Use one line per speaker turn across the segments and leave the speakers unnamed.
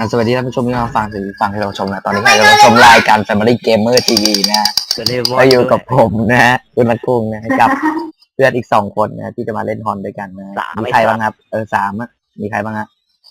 สวัสดีท่านผู้ชมที่มาฟังที่เราชมนะตอนนี้เราชมรายการ Family Gamer TV นะก็อยู่กับผมนะฮะคุณนักกุ้งนะกับเพื่อนอีก2 คนนะที่จะมาเล่นฮอนด้วยกันนะมีใครบ้างครับ3มีใครบ้างฮะ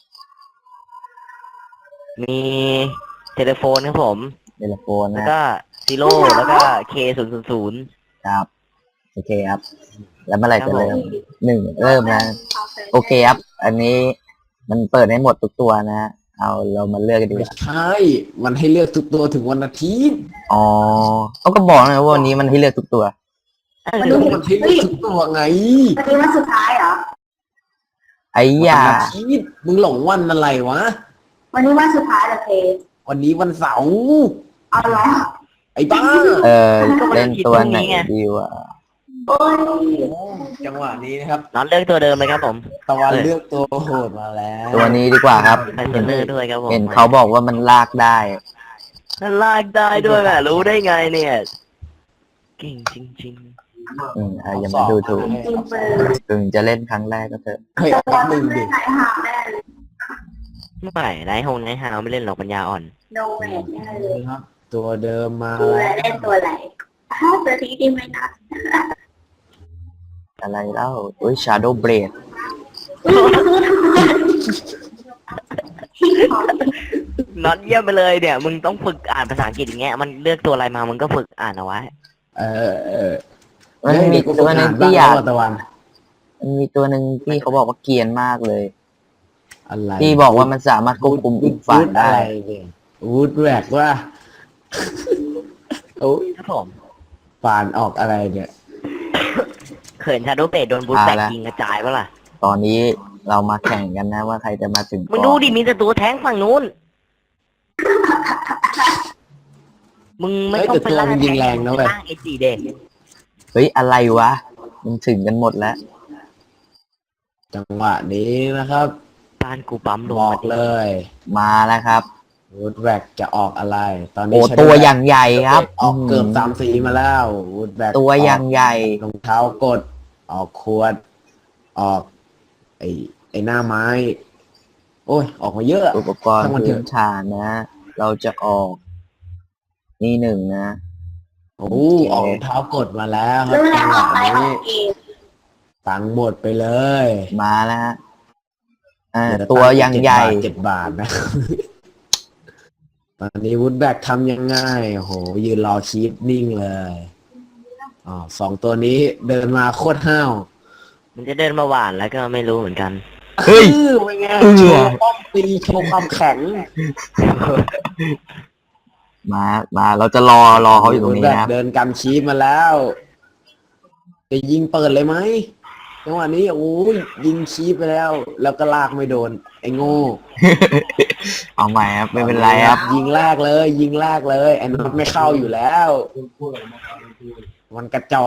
มีเทเลโฟนครับผม
เทเลโฟน
แล้ว
นะ
ก็ซีโร่แล้วก็K000
ครับโอเคครับแล้วเมื่อไหร่จะเริ่มเริ่มนะโอเคครับอันนี้มันเปิดให้หมดทุกตัวนะเรามาเลือกกันดีก
ไม่
ว่า
ใช่มันให้เลือกทุกตัวถึงวันอาทิตย์
อ๋อเขาก็บอกนะว่าวันนี้มันให้เลือกทุกตัว
มันให้เลือกทุกตัวไง
วันนี้วันสุดท้ายเหรอ
ไอ้
วัน
ยา
อาทิตย์มึงหลงวันอะไรวะ
วันนี้วันสุดท้ายเหรอเพ
วันนี้วันเสาร์
เอาเหรอ
ไอ้บ้า
เล่นตัวไหนดีวะ
โอ้ย
โอ้จังหวะนี้นะครับ
น็อตเลือกตัวเดิมเลยครับผม
ตะวันเลือกตัวโหดมาแล้ว
ตัวนี้ดีกว่าครับ
ใส่เทรนเนอร์ด้วยครับผม
เห็นเขาบอกว่ามันลากได้
นั่นลากได้ด้วยแหมรู้ได้ไงเนี่ยเก่งจริง
อย่ามาดูถูก
จริงเปิด
ถึงจะเล่นครั้งแรกก็เถอะ
เฮ้ยแป๊บหนึ่งดิ
ไหนหาแม่เลย
ๆไม่ไร้หงไร้หาวไม่เล่นหรอกปัญญาอ่อน
โนแมนแน่เลย
ครับ ตัวเดิมมา
ตัวเล่นตัวไหนตัวที่ดีไหมนะ
อะไรเล่าShadow Blade
น็อตเยี่ยมไปเลยเนี่ยมึงต้องฝึกอ่านภาษาอังกฤษอย่างเงี้ยมันเลือกตัวอะไรมามึงก็ฝึกอ่านเอาไว้
มันมี
กู
ตัวหนึง
อ่าน
ที่
บ้าง
อยาก
แล้วตะวัน
มันมีตัวหนึ่งที่เขาบอกว่าเกรียนมากเลย
อะไร
ที่บอกว่ามันสามารถควบคุมอีกฝ่ายได้
วูดแรกว่าโอ้ย
ครับผม
ป่านออกอะไรเนี่ย
เขินชาโดว์เบดโดนบูสแตก
มาแล้ว
ยิงกระจายปะล่ะ
ตอนนี้เรามาแข่งกันนะว่าใครจะมาถึง
มึง
ก่
ดู
อน
ดิมีแต่ตัวแท้งฝั่งนู้นมึงไม่ต้องไปล่า
เฮ้ยแต่ตัวมันยิงแรงนะเว้ย
ล่างไอ้จีเด็ก
เฮ้ยอะไรวะมันถึงกันหมดแล้ว
จังหวะนี้นะครับ
บ้านกูปั๊มลง
บอ
มาก ดิ
เลย
มาแล้วครับ
วูดแบกจะออกอะไร ตอนนี้
โอ้
Shadow
ตัว
Black
อย่างใหญ่ครับ
ออกเกือบ3 สีมาแล้ววูดแบก
ตัวอย่างใหญ่
รองเท้ากด ออกขวด ออก ไอ้หน้าไม้ โอ้ย ออกมาเยอะ
อุปกรณ์
ทั้งวันเถ
พื้
อะ
นฐานนะ เราจะออก นี่หนึ่งนะ
โอ้ออกรองเท้ากดมาแล้วครั
รู้
บ
แล้
จั
ว
งห
ออ
วะ
กไปออ
นี้
กเกม
ตังค์หมดไปเลย
มาแล้วฮะ
เดี๋ย
ตัวอย่างใหญ่
7 บาทนะ ตอนนี้วูดแบกทำยังไงโอ้โห ยืนรอชีพนิ่งเลย2 ตัวนี้เดินมาโคตรห้าว
มันจะเดินมาหวานแล้วก็ไม่รู้เหมือนกัน
เฮ้ย
เป็นไง
เออ
โชว์ป้อมตีโชว์ความแข็ง
มาเราจะรอเขาอยู่ตรงนี้
วูดแบก
นะครับ
เดินกำชีพมาแล้ว จะยิงเปิดเลยไหมจังหวะนี้โอ้ยยิงชีพไปแล้ว แล้วก็ลากไม่โดน ไอ้โง่
เอาใหม่ครับไม่เป็นไรครับ
ยิงลากเลย ยิงลากเลยไอ้น็อตไม่เข้าอยู่แล้ว มันกระจอก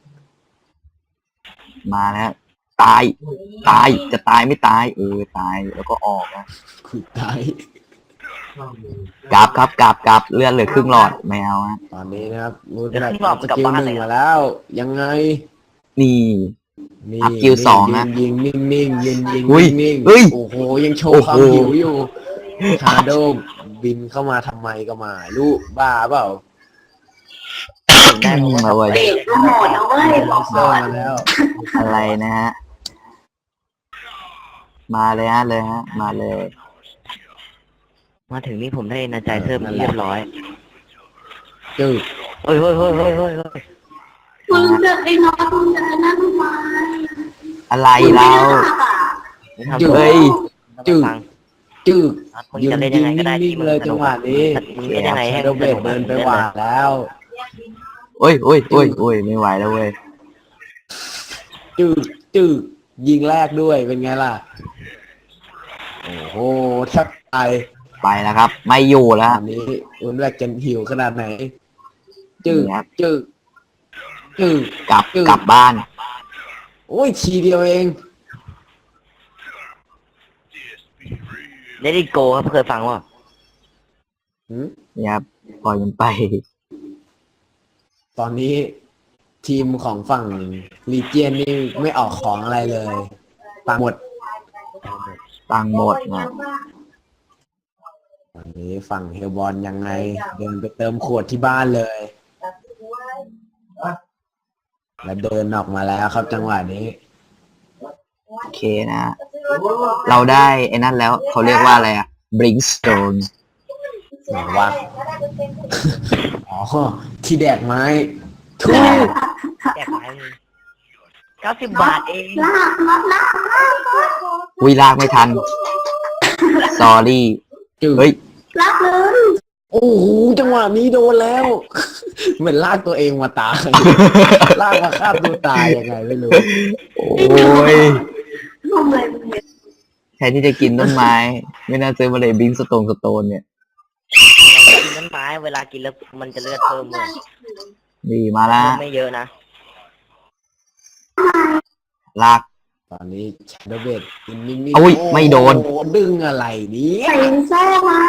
มาแล้วตายจะตายไม่ตายตายแล้วก็ออกนะ
ขุดตาย
กลับครับกลับเลือดเหลือครึ่งหลอดไม่เอาฮะ
ตอนนี้นะครับรูด
เดี๋ยว
แบ
ขึ้นรอบ
ส
กลับ
กิล
บ้าน
หนึ่ง
เลย
มาแล้ว ยังไง
นี่
นี่
อัพกิลสองนะ
ยิงนิ่งๆยิง
อุ้ย
นิ่ง
เฮ้ย
ๆโอ้โหยังโชว์ความ
โอ้โห
หิวอยู่ฮาโดบินเข้ามาทำไมก็มาลูกบ้าเปล่า
ได้เพราะว่า
มาเว้ย
เบรกก็โหดนะเว้ยบอก
เซอ
ก่อ
ร์
น
มาแล้ว
อะไรนะฮะมาเลยฮะมาเลย
มาถึงนี่ผมได้นาใจเพิ่มเรียบร้อย
จึ๊ก
เฮ้ย
มึงจะไอ้น้องมึงจะนั่นทำไม
อะไรเรา
ไม่ทำ
เฮ้ย
จึ๊ก
ฟัง
จึ๊ก
มึงจะเล่นยังไงก็ได้
นิ่
ที่
ง
มึ
ๆ
ง
เลย
ส
จั
นุ
ง
ก
หวะนี้
มึงเล่นยังไงให้
ชาโด
มึง
เบ
ส
ด
นุก
เดินไปหวานแล้ว
โอ้ยไม่ไหวแล้วเว้ย
จึ๊กยิงแรกด้วยเป็นไงล่ะ โอ้โหแทบตาย
ไปแล้วครับ ไม่อยู่
ต
แล้ว
อนนี้อุ่นแรกจะหิวขนาดไหน จึ๊ก
นี่ครับ
จึ๊กจึ๊ก
กลับบ้าน
โอ้ยทีเดียวเอง
เลดี้โกครับเคยฟังว่า
หืม
นี่ครับปล่อยมันไป
ตอนนี้ทีมของฝั่งลีเจียนนี่ไม่ออกของอะไรเลยตังค์หมด
ตังค์หมดนะ
วันนี้ฝั่งเฮลบอลยังไงเดินไปเติมขวดที่บ้านเลย แล้วเดินออกมาแล้วครับจังหวะนี้
โอเคนะ เราได้ไอ้นั่นแล้วเขาเรียกว่าอะไรอะBrimstone
ไหนวะ อ๋อ ที่แดกไม้ทุก
แจกไป90 บาทเอง
ลากน็อตลาก
วิลากไม่ทัน sorry
จืด
เฮ้ย
ลากเลย
โอ้โหจังหวะนี้โดนแล้ว เหมือนลากตัวเองมาตาย ลากมาฆ่าตัวตายยังไงไม่รู้
โอ้ย
ทำอะไรมึงเนี่ย
แทนที่จะกินต้นไม้ ไม่น่าซื้อมาเลยบิงสโตนเนี่ย
เรากินต้นไม้เวลากินแล้วมันจะเลือดเพิ่มเลย
ดีมาละ
ไม่เยอะนะ
ลาก
ตอนนี้ชาโดเบดกินนิ่ง
อุ๊ยไม่โดน
อ้หดึงอะไรเนี่ย
ใส่แซ่มัน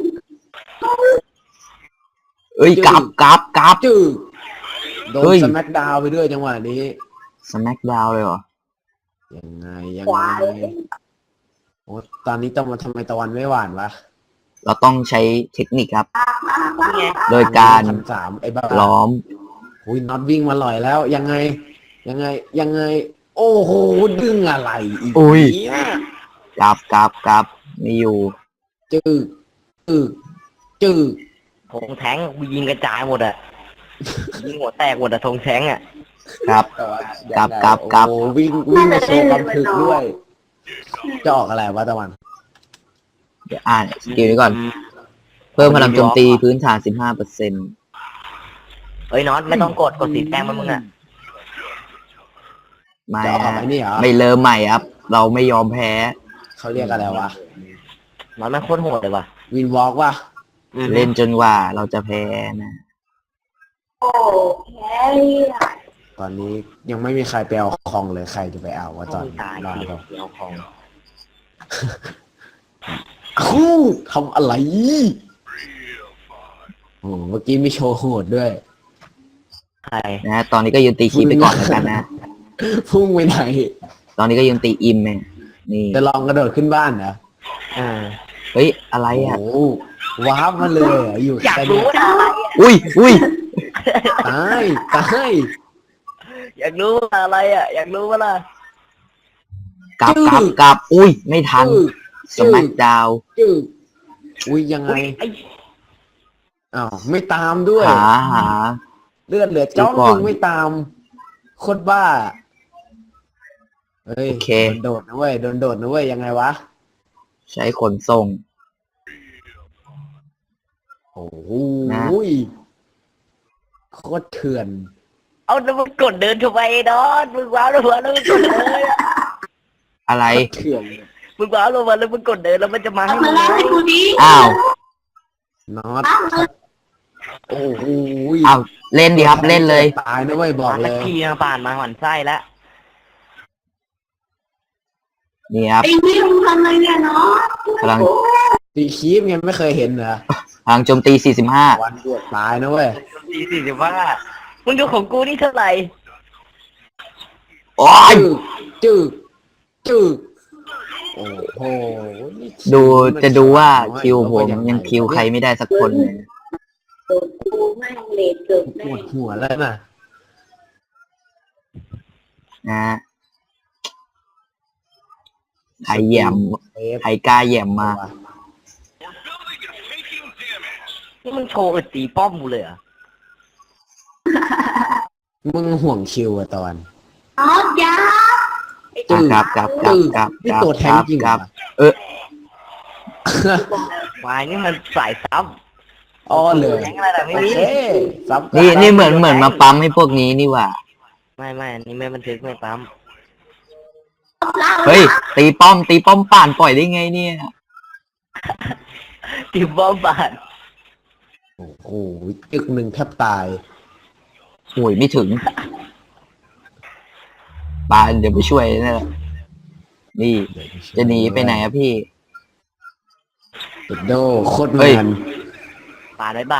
เอ้ยกราบ
จืดโด
เฮ้
น
ย
สแมกดาวไปด้วยจังหวะนี้
สแมกดาวเลยเหรอ
ยังไงโอ้ตอนนี้ตะวันทำไมตะวันไม่หวานวะ
เราต้องใช้เทคนิคครับ
นี่ไง
โดยการ
1,300ไอ้บ้า
ล้อม
อุ้ยน็อตวิ่งมาลอยแล้ว ยังไง โอ้โหดึงอะไรอีก
อุ้ย
เนี่ย
กราบไม่อยู่
จืด
ธงแท้งยิงกระจายหมดอะยิงหัวแตกหมดอะธงแท้งอะ
ครับ กลับ
โอ้วิ่งมาโชว์ความถึกด้วย จะออกอะไรวะตะวัน
เดี๋ยวอ่านสกิลนี้ก่อน เพิ่มพลังโจมตีพื้นฐาน 15%
เฮ้ยน็อตไม่ต้องกดสีแดงมันมึงอะ
ไม่
จะออกไอ้นี่เหรอ
ไม่เริ่มใหม่ครับ เราไม่ยอมแพ้
เขาเรียกอะไรวะ
น็อตแม่งโคตรโหดเลยว่ะ
วินวอล์กวะ
เล่นจนกว่าเราจะแพ้นะ
โอ้แพ้เลยอะ
ตอนนี้ยังไม่มีใครไปเอาคองเลยใครจะไปเอาวะตอน
ตาย
รอ
เดีย
เรา
วของ
คู่ทำอะไรโอ้เมื่อกี้มีโชว์โหดด้วย
ใคร
นะตอนนี้ก็ยืนตีคีปไปก่อนแล้วกันนะ
พุ่งไปไหน
ตอนนี้ก็ยืนตีอิมเนี่ยนี่
จะลองกระโดดขึ้นบ้านเหรอ
อ่า
เฮ้ย อะไรอ่ะ
โอ้โหว้าบมาเลยเหรออยู่
อยาก
แต่
รู้
เนี่ย
ว่าอะไรอะ
อุ้ย
ตาย
อยากรู้ว่าอะไรอะอยากรู้ว่าล่ะ
กลับ อุ้ย ไม่ทัน สแมกดาว
จืดอุ้ยยังไง
อุ๊ยไอ้
อ้าวไม่ตามด้วย
หา
เลือดเหลือจ้อง
ดูก่อน
นึงไม่ตามโคตรบ้าเฮ้ย
โอเค
โดนนะเว้ยโดนโดดนะเว้ยยังไงวะ
ใช้ขนส่ง
โอ้โห
นะ
โคตรเถื่อน
เอาแล้วมึงกดเดินทำไมน็อตมึงว้าวลงมาแล้วมึงกดเดินอะ
อะไร
เถื่อน
มึงว้าวลงมาแล้วมึงกดเดินแล้วมันจะมา
เอา
ให้
มา
มึง
ลากให้กูดิ
อ้าว
น็อต
เอาเลย
โอ้โห
อ้าว เล่นดีครับ เล่นเลย
ตายนะเว้ยบอกเลย
ทีมาป่านมาหวั่นไส้แล้ว
นี่ครับ
ไอ้นี่มึงทำอะไรเนี่ยเนาะ
พลัง
ตีคีบยังไม่เคยเห็นเหรอ
พลังโจมตี 45
วันเดือดตายนะเว้ย
45มึงดูของกูนี่เท่าไหร่
โอ้ย
จืดโอ้โหนี่
จะดูว่าคิวผมยังคิวใครไม่ได้สักคนเลย
โดนกูแม่งเลดเกิด
ป
แน่
วดหัวแล้วน่ะ
นะฮะใครแหย่มใครกล้าแหย่มมา
นี่มึงโชว์อึดตีป้อมกูเลยเหรอ่ะ
มึงห่วงคิวอะตอน
น็อตยา
ครับ
นี่ตัวแทงจริงเหรอ
วายนี่มันสายซ้
อ้อเลย
ำแทงอะไรแต่ไม่
โอ
มี
เคซับกั
นี่เหมือนมาปั๊มให้พวกนี้นี่หว่า
ไม่อันนี้ไม่บันทึกไม่ปั๊ม
ลาก
เฮ้ย ตีป้อมป่านปล่อยได้ไงเนี่ย
ตีป้อมบาด
โอ้โหจึกหนึ่งแทบตาย
โอ้ยไม่ถึงปานเดี๋ยวไปช่วยนะนี่ จะหนีไปไหนอะพี่
ติดโดโคตร
เฮ้
แม
ย
น
ปาดบาย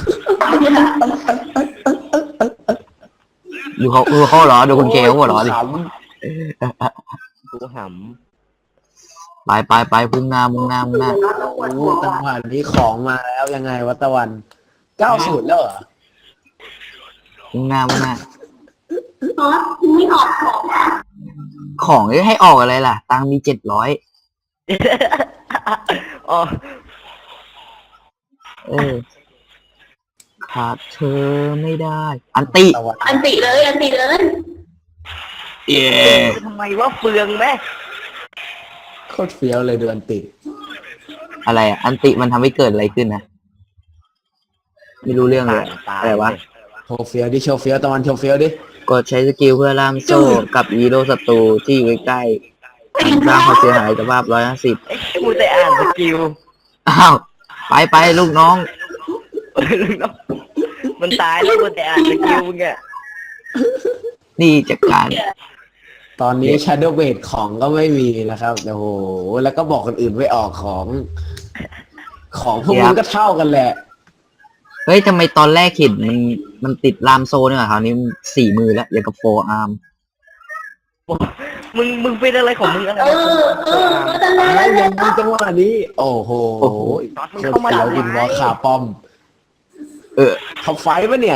ดูเขาเหรอ ดูคุณเคเขาหัวเหรอดิ
ข
ดูห
ไปพุ่งหน้า
โอ้จังหวะนี้ของมาแล้วยังไงวะตะวัน90แล้วเหรอ
พุ่งหน้า
น็อตไม่ออกของอ่ะ
ของให้ออกอะไรล่ะ ตังค์มี700
อ๋อ
ขาดเธอไม่ได้ อันติ
ตะวัน
อันติเลย
เย้
ทำไมว่าเฟืองแม่
โคตรเฟี้ยวเลยเดือนติด
อะไรอ่ะ อันติมันทำให้เกิดอะไรขึ้นนะ ไม่รู้เรื่องเลย อะไรวะ
โชว์เฟี้ยวดิโชว์เฟี้ยวตะวันโชว์เฟี้ยวดิ
กดใช้สกิลเพื่อล่ามโซ่กับฮีโร่ศัตรูที่อยู่ใกล้ๆสร้างความเสียหายสภาพ150
ไอ้กูแต่อ่านสกิล
อ้าว ไปลูกน้อง
มันตายแล้วกูแต่อ่านสกิลมึงอะ
นี่จัดการ
ตอนนี้ Shadow Blade ของก็ไม่มีนะครับโอ้โหแล้วก็บอกคนอื่นไม่ออกของพวกมึงก็เท่ากันแหละ
เฮ้ยทำไมตอนแรกเห็นมันติดลามโซ่เนี่ยคราวนี้4 มือแล้วอย่างกับโฟอาร์ม
มึงเป็นอะไรของมึงอะไร
ก็จะเล่
แล้ว
น
ยังมีจังหวะนี้ โอ้โหโคตรเฟี้ยวบินวอลขาป้อม เขาไฟท์ปะเนี่ย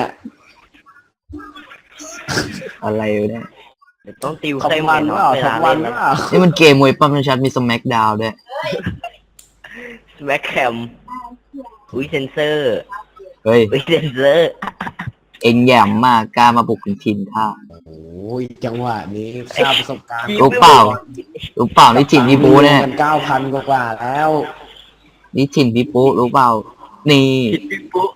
อะไรวะเนี่ย
เดี๋ยวต้องติว
ขับ
ใส่
วัน
เนาะ
เปล่า
เว
ขั
ลา
บวั
เล่
น
น
เปล่า
นี่มันเกมมวยปั้มชัดมีสแม็กดาวด้วย
แม็กแคมอุ้ยเซนเซอร์
เฮ้ย
อุ้ยเซนเซอร์
เอ็งแย่มมากกล้ามาบุกถึงถิ่นข้า
โอ้ยจังหวะนี้ค่าประสบการณ์
รู้เปล่านี่ถิ่นพี่ปูเนี่ย
มัน9,000 กว่าแล้ว
นี่ถิ่นพี่ปูรู้เปล่า นี่
ผิดพี่ปุ๊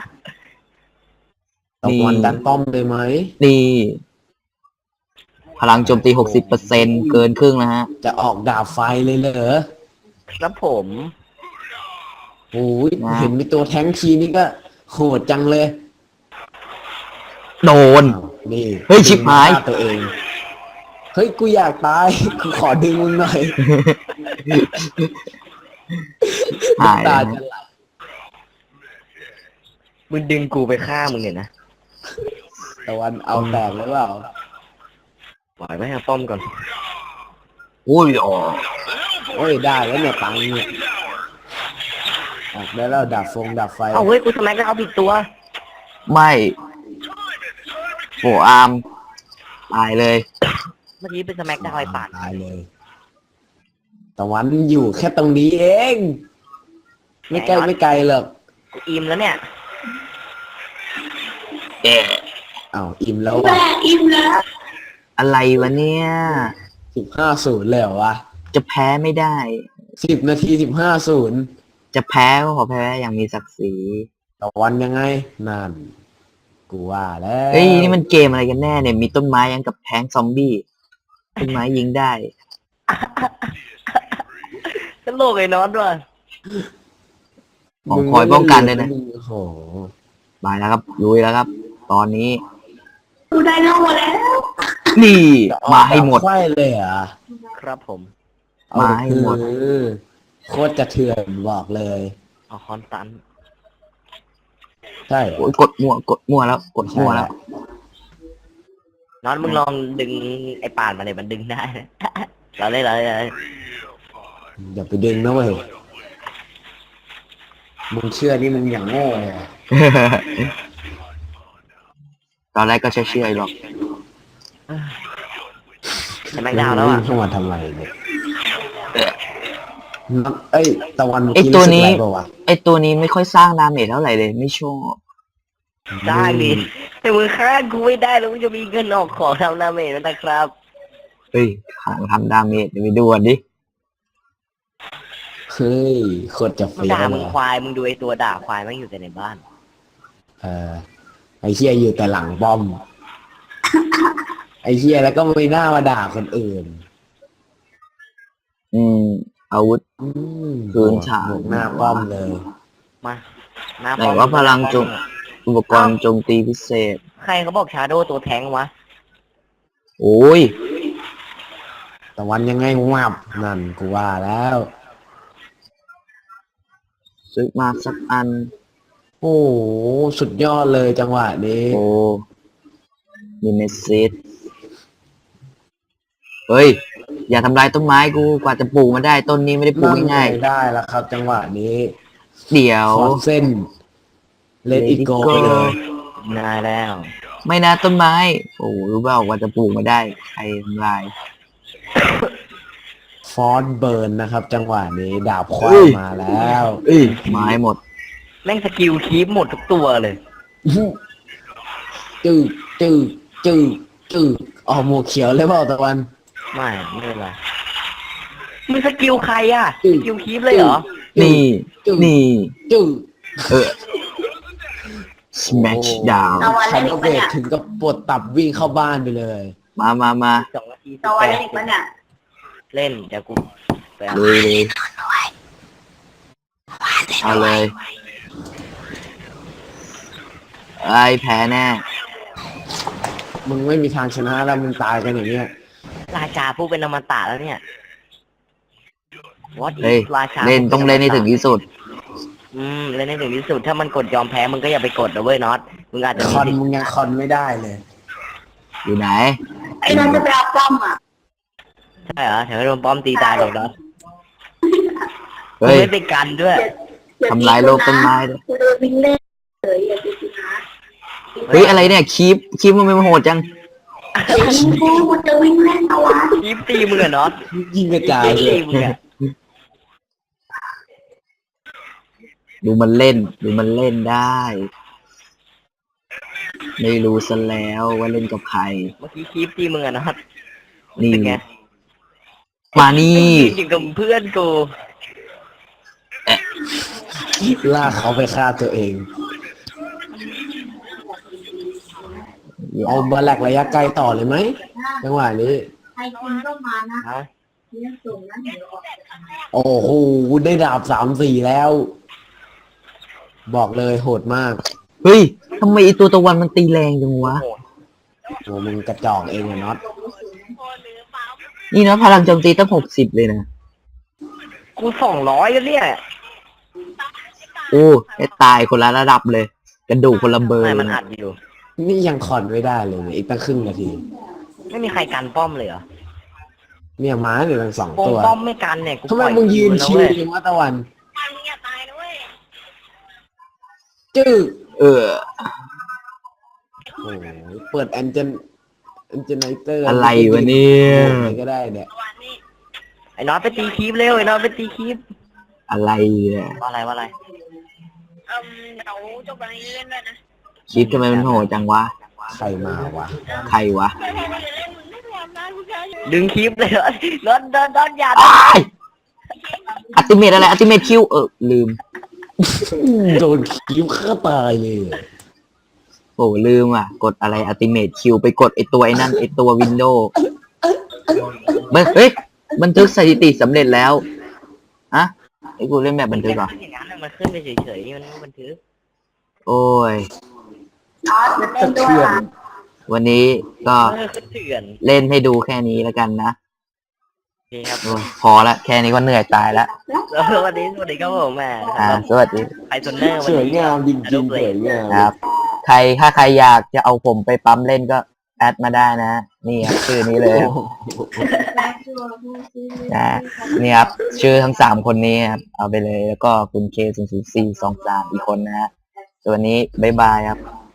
ตะวันดันป้อมเลยไหม
นี่ พลังโจมตี 60%เกินครึ่งนะฮะ
จะออกดาบไฟเลยเหรอ
ครับผม
โอ้ยเห็นมีตัวแท้งทีนี่ก็โหดจังเลย
โดน
อ้าวนี่
เฮ้ยชิบหาย
ดึงฆ่ตัวเอง เฮ้ยกูอยากตาย กูขอดึงมึงหน่อย
หาย
ตา
นะ
จะไหล
มึงดึงกูไปฆ่ามึงเนี่ยนะ
ตะวันเอาแตกหรือเปล่า
ปล่อยไว้ให้ป้อมก่อน
อุ้ยอ๋อ
โอ้ยได้แล้วเนี่ยตังค์เนี่ยออกได้แล้วดับไฟ
เอาเฮ้ยกูสแม็กแล้วเอาผิดตัว
ไม่โฟอาร์มตายเลย
เมื่อกี้เป็นสแม็กดาวไอ้ปาด
ตายเลยตะวันอยู่แค่ตรงนี้เอง ไม่ไกลหรอก
กูอิ่มแล้วเนี่ย
อ้าวอิ่มแล้ว
แม่อิ่มแล้ว
อะไรวะเนี่ย
15-0เลยเหรอวะ
จะแพ้ไม่ได้
10 นาที 15-0
จะแพ้ก็ขอแพ้อย่างมีศักดิ์ศรี
ตะวันยังไง นั่น กูว่าแล้ว
เฮ้ยนี่มันเกมอะไรกันแน่เนี่ย มีต้นไม้ยังกับแทงซอมบี้ ต้นไม้ยิงได้
ตลกไอ้น็อตว่ะ
ของคอยป้องกันเลยนะ
โอ้โห
มาแล้วครับลุยแล้วครับ ตอนนี้
กูได้นอกมาแล้ว
นี่มาให้หมด
ไฟเลยเหรอ่ะ
ครับผม
มาให้หมด
โคตรจะเถื่อนบอกเลย
เอาคอนตัน
ใช่
โอ้ยกดมั่วแล้ว กดมั่วแล้ว
น็อตมึงลองดึงไอ้ปาดมาเลยมันดึงได้นะ เราเล่น
อย่าไปดึงนะเว้ยมึงเชื่อนี่มึงอย่างโง่เลยอะ
ตอนแรกก็เชื่อๆหรอก
สแม็กดาวแล้วอ่ะ
เข้ามาทำไมเนี่ยเอ้ยตะวัน
ไอตัวนี้
รู้สึกะไรเปล่าวะ
ไอตัวนี้ไม่ค่อยสร้างดาเมจเท่าไหร่เลย ไม่ชอบ
ได้ดิแต่มึงฆ่ากูไม่ได้แล้วมึงจะมีเงินออกของทำนาเมจนะครับ
เฮ้ยขังทำดาเมจเดี๋ยวไปดูกันดิ
เฮ้ยโคตรจะ
มึง
เฟี้ยว
ด่า
เล
มึง
ย
ควายมึงดูไอ้ตัวด่าควายมันอยู่แต่ในบ้าน
ไอ้เฮียอยู่แต่หลังป้อม ไอ้เฮียแล้วก็ไม่น่ามาด่าคนอื่น
อาวุธ คืนฉาก
บวกหน้าป้อมเลย
มาหน้า
ไหน
ป้อม
ว่าพลังโจมอุปกรณ์โจมตีพิเศษ
ใครเขาบอกชาโดตัวแทงวะ
โอ้ย
แต่วันยังไงวับนั่นกูว่าแล้ว
ซื้อมาสักอัน
โอ้โหสุดยอดเลยจังหวะนี้
โอ้มีเมสซิสเฮ้ย อย่าทำลายต้นไม้กูกว่าจะปลูกมาได้ต้นนี้ไม่ได้ปลูกง่าย
นั่นไได้แล้วครับ จังหวะนี้
ๆเดี๋ยว
คอร์เส้นเลดอิโกไปเลย
นายแล้ว
ไม่นะต้นไม้ โอ้รู้เปล่ากว่าจะปลูกมาได้ใครทำลาย
ฟอนเบิร์นนะครับ จังหวะนี้ดาบควา
เอ้
ย
ย
มาแล้ว
เอ้ยไม้หมด
แม่งสกิลคีปหมดทุกตัวเลย
จืดจืดจืดจืดอ๋อหมวกเขียวเลยเปล่าตะวัน
ไม่เป็นไรมึงสกิลใครอ่ะ
อื
ส
ม
กิลคีปเลยเหรอ
นี่ นี่
จืด
เออ smash down
เอาวัน
ฉั
เล่
น
นอี
ก็
ก
เบร
ปะ
ก
เนี่ย
ถึงกับปวดตับวิ่งเข้าบ้านไปเลย
มา
2 นาที
เอาวันเล่นอีกปะเนี่ย
เล่นเดี๋ยวกูไปเอา
เลยเอาเลยไอ้แพ้แน่
มึงไม่มีทางชนะแล้วมึงตายกันอย่างเงี้ย
ราชาผู้เป็นอมตะแล้วเนี่ย What
เฮ้ย
is ราชา
เล่นต้องเล่นให้ถึงที่สุด
เล่นให้ถึงที่สุด ถ้ามันกดยอมแพ้มึงก็อย่าไปกดนะเว้ยน็อตมึงอาจจะ
ค
มี
อน
สิทธิ์
มึงยังคอนไม่ได้เลย
อยู่ไหน
ไอ้นอนจะไปเอาป้อมอ่ะ
ใช่เหรอแถวโดนป้อมตีตายหรอกน็อตมึง
เฮ้ย
ไม่ไปกันด้วย
ทำลายโลกต้นไม้ด้วย
กูเดินวิ่งเล่นเลยอย่าไปสินะ
เฮ้ยอะไรเนี่ยคีบมันไม่โหดจัง
กูจะวิ่งเล่นเอาวะ
คีปตีมึงอะน็อต
ยิงกระจาย
คีป
เล
ตี
ย
มึงอะ
ดูมันเล่นได้ ไม่รู้ซะแล้วว่าเล่นกับใคร
เมื่อกี้คีปตีมึงอะน็อต
นี่
เป็นไง
มานี่
จริงกับเพื่อนกู
ลากเขาไปฆ่าตัวเอง เอามาแหลกระยะไกลต่อเลยไหมจังหวะนี้
ใครคนก็มานะ
ฮะ
เรื่องส่งนั้นเดี๋ยวออก
โอ้โหได้ดาบ3-4แล้ว บอกเลยโหดมาก
เฮ้ยทำไมไอตัวตะวันมันตีแรงจังวะ
โอ้มึงกระจอกเองอะน็อต
นี่นะพลังโจมตีตั้ง60เลยนะ
กู200แล้วเนี่ย
โอ้ไอ้ตายคนละระดับเลย กระดูกคนละเบอร์
ไม่
เล
มัน
ย
อั
นะ
ดอยู่
นี่ยังคอนไม่ได้เลยเนี่ยอีกตั้งครึ่งนาที
ไม่มีใครกันป้อมเลยเหรอ
เนี่ยม้าเนี่ยทั้งสอง
ป้อม
ตัว
ป้อมไม่กันเนี่ยกู
ทำไม
ปล่อ
มึงยืน
แล้ว
ชิว
เว้ย
จังวะตะวันจื้อ
เออ
โอ้ยเปิดแอนเจนไนเตอร์
อะไรวะเนี่ย
อะไรก็ได้เนี่ย
ไอ้น็อตไปตีคีปเร็วไอ้น็อตไปตีคีป
อะไรเนี่ย
ว่าอะไร
เดี๋ยวจบวันนี้เล่นด้วยนะ
คิดทำไมมันโหดจังวะ
ใครมาวะ
ใครวะ
ไม่พยายามนะผู้ชายอยู่
ดึงคีปเลยน็อตน็อตอย่า
อ้ายอัติเมตอะไรอัติเมตคิวลืม
โดนคิ้วฆ่าตายเลย
โอ้ลืมอ่ะ กดอะไรอัติเมตคิวไปกดไอตัวไอ้นั่นไอตัววินโดว์เฮ้ยบันทึกสถิติสำเร็จแล้วอะไอ้กูเล่นแบบบันทึกเหรอ
อย่างนั้นน่ะมันขึ้นไปเฉยๆมันไม่บันทึก
โอ้ย
นอนจะเล่นด้วย
เถื่อน
ล่ะ
วันนี้ก็
ขึ้นเถื่อน
เล่นให้ดูแค่นี้แล้วกันนะ
โอเคครับ
โอ้ยพอละแค่นี้ก็เหนื่อยตายละ
แล้ววันนี้สวัสดีครับผมแม่
สวัสดี
ไอโซเนอร์
สวยงามจริงๆสวยงาม
ครับ ถ้าใครอยากจะเอาผมไปปั๊มเล่นก็แอดมาได้นะ นี่ครับชื่อนี้เลยครับนะนี่ครับชื่อทั้ง3คนนี้ครับเอาไปเลยแล้วก็คุณ K00423อีกคนนะฮะส่วนวันนี้บ๊ายบายครับ